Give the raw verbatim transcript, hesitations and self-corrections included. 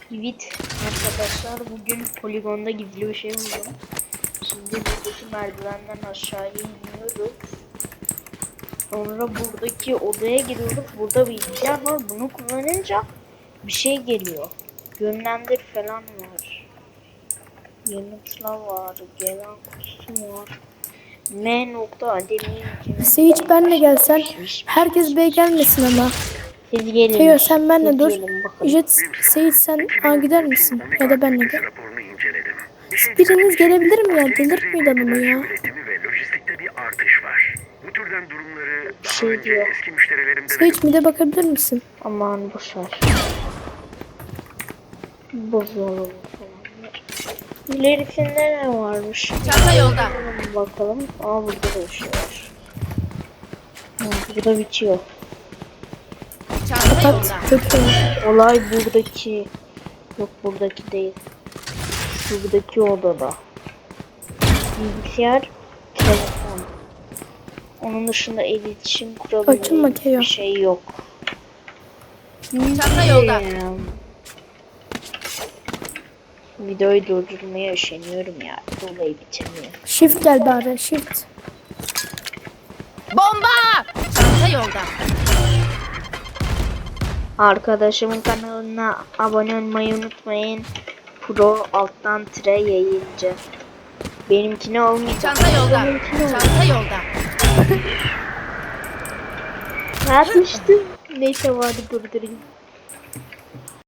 Evet arkadaşlar, bugün poligonda gizli bir şey buldum. Şimdi buradaki merdivenden aşağıya iniyoruz. Sonra buradaki odaya giriyoruz. Burada bilgisayar var. Bunu kullanınca bir şey geliyor. Yönlendir falan var. Yanıtla var. Gelen kutusu var. M nokta ademi. Sage benle gelsen. Herkes B'ye gelmesin ama. Siz gelin. Teo sen benle Siz dur. gelin bakalım. Jet, Sage sen A gider misin? Ya da benle gel. Biriniz gelebilir mi ya? Delirtmeyin adamı ya. Bu türden durumları Bir daha şey önce diyor. eski müşterilerimde de Sage mide bakabilir misin? Aman boşver. Bozuyorum falan. İlerisinde ne varmış? Çanta yolda. Bakalım. Aa, burada da bir şey var. Ha, burada bitiyor. Çanta Kapat. yolda. Kötü. Olay buradaki. Yok, buradaki değil. Şuradaki odada. Bilgisayar, telefon. Onun dışında iletişim Açılma kurabildiğim Keo. bir şey yok. Çanta yolda. Hmm. Videoyu durdurmaya üşeniyorum ya. Dolayı bitirmiyorum. Shift gel bari. Shift. Bomba! Çanta yolda. Arkadaşımın kanalına abone olmayı unutmayın. Pro alttan tire yayıncı. Benimkine olmayacak. Çanta yolda. Benimkine olacak. Çanta yolda. Yapmıştım. Neyse, vardı durdurayım.